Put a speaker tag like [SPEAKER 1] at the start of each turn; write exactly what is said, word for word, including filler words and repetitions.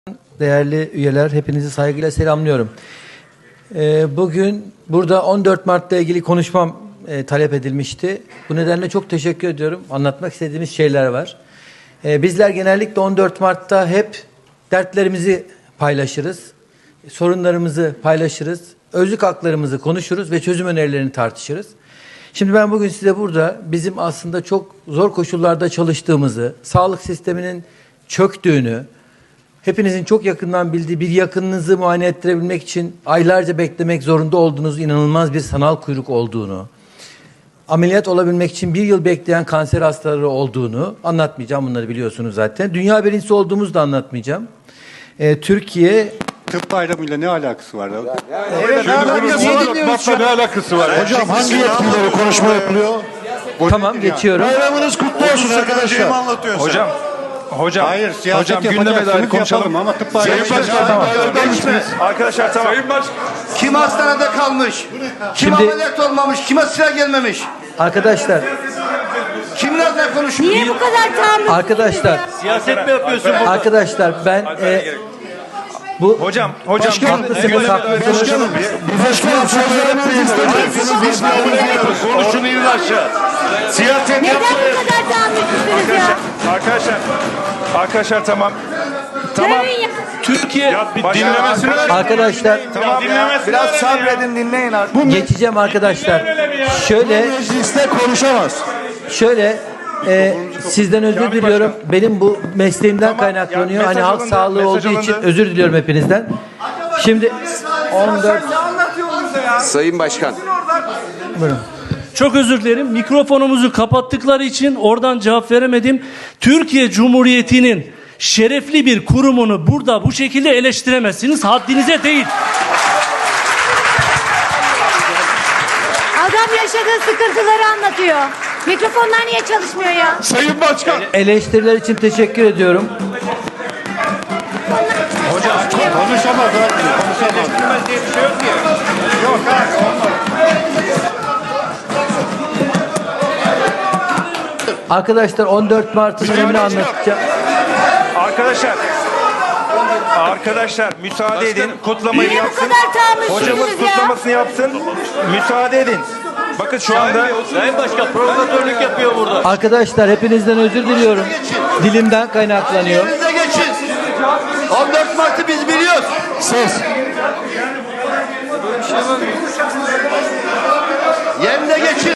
[SPEAKER 1] Değerli üyeler, hepinizi saygıyla selamlıyorum. Ee, bugün burada on dört Mart'la ilgili konuşmam e, talep edilmişti. Bu nedenle çok teşekkür ediyorum. Anlatmak istediğimiz şeyler var. Ee, bizler genellikle on dört Mart'ta hep dertlerimizi paylaşırız, sorunlarımızı paylaşırız, özlük haklarımızı konuşuruz ve çözüm önerilerini tartışırız. Şimdi ben bugün size burada bizim aslında çok zor koşullarda çalıştığımızı, sağlık sisteminin çöktüğünü, hepinizin çok yakından bildiği bir yakınınızı muayene ettirebilmek için aylarca beklemek zorunda olduğunuz inanılmaz bir sanal kuyruk olduğunu, ameliyat olabilmek için bir yıl bekleyen kanser hastaları olduğunu anlatmayacağım. Bunları biliyorsunuz zaten. Dünya birincisi olduğumuzu da anlatmayacağım. Ee, Türkiye...
[SPEAKER 2] Tıp bayramıyla ne alakası var?
[SPEAKER 3] Evet, evet, ne alakası var? Ne alakası var? Hocam hangi yetkileri konuşma yapılıyor?
[SPEAKER 1] Tamam, geçiyorum.
[SPEAKER 3] Bayramınız kutlu olsun arkadaşlar.
[SPEAKER 4] Hocam, hocam,
[SPEAKER 2] Hayır, siyaset
[SPEAKER 4] hocam gündeme dair
[SPEAKER 2] yapacaksınız,
[SPEAKER 4] konuşalım.
[SPEAKER 2] yapalım ama tıp bayramı...
[SPEAKER 3] Sayın Başkan,
[SPEAKER 1] Tamam.
[SPEAKER 3] geçme.
[SPEAKER 4] Arkadaşlar tamam. Sayın Baş...
[SPEAKER 5] Kim hastanede kalmış? Kim
[SPEAKER 1] Şimdi-
[SPEAKER 5] ameliyat olmamış? Kime sıra gelmemiş?
[SPEAKER 1] Arkadaşlar,
[SPEAKER 5] Kimlerle konuşuyor?
[SPEAKER 6] Niye bu kadar tahammül?
[SPEAKER 1] arkadaşlar,
[SPEAKER 4] Siyaset mi yapıyorsun?
[SPEAKER 1] arkadaşlar ben e, bu
[SPEAKER 4] Hocam, hocam
[SPEAKER 1] haklısınız,
[SPEAKER 4] gündeme dair
[SPEAKER 1] haklısınız.
[SPEAKER 4] konuşalım.
[SPEAKER 3] Bu başkanım sözlerinizi istemiyorsunuz. Biz kabul ediyoruz. Konuşun in aşağı. Siyaset
[SPEAKER 6] Neden
[SPEAKER 3] yapmayın.
[SPEAKER 6] bu kadar tahammülsüzsünüz ya?
[SPEAKER 4] Arkadaşlar, arkadaşlar tamam. Tamam.
[SPEAKER 6] Görün ya.
[SPEAKER 4] Türkiye ya bir dinlemesini
[SPEAKER 1] Arkadaşlar,
[SPEAKER 4] Tamam. Dinlemesini
[SPEAKER 5] Biraz sabredin, dinleyin artık.
[SPEAKER 1] geçeceğim arkadaşlar. Şöyle,
[SPEAKER 3] Mecliste konuşamaz.
[SPEAKER 1] şöyle e, sizden özür diliyorum. Benim bu mesleğimden
[SPEAKER 4] Tamam,
[SPEAKER 1] kaynaklanıyor.
[SPEAKER 4] ya
[SPEAKER 1] hani
[SPEAKER 4] mesaj
[SPEAKER 1] halk
[SPEAKER 4] alındı,
[SPEAKER 1] sağlığı
[SPEAKER 4] mesaj
[SPEAKER 1] olduğu için
[SPEAKER 4] alındı.
[SPEAKER 1] özür diliyorum hepinizden. Şimdi on dört
[SPEAKER 7] Sayın Başkan.
[SPEAKER 8] Çok özür dilerim. Mikrofonumuzu kapattıkları için oradan cevap veremedim. Türkiye Cumhuriyeti'nin şerefli bir kurumunu burada bu şekilde eleştiremezsiniz. Haddinize değil.
[SPEAKER 6] Adam yaşadığı sıkıntıları anlatıyor. Mikrofonlar niye çalışmıyor ya?
[SPEAKER 3] Sayın Başkan.
[SPEAKER 1] eleştiriler için teşekkür ediyorum.
[SPEAKER 2] Konuşamaz abi, konuşamaz.
[SPEAKER 1] Arkadaşlar on dört Mart'ın önemini anlatacağım.
[SPEAKER 4] Arkadaşlar, arkadaşlar müsaade edin. Kutlamayı
[SPEAKER 6] Niye bu
[SPEAKER 4] yapsın.
[SPEAKER 6] kadar tahammülsüzsünüz
[SPEAKER 4] Hocamız
[SPEAKER 6] ya?
[SPEAKER 4] kutlamasını yapsın. Müsaade edin. Bakın şu anda
[SPEAKER 8] Sayın Başkan provokatörlük yapıyor burada.
[SPEAKER 1] Arkadaşlar hepinizden özür diliyorum. Dilimden kaynaklanıyor.
[SPEAKER 5] Yerinize geçin. on dört Mart'ı biz biliyoruz.
[SPEAKER 3] Ses.
[SPEAKER 5] Yerine geçin.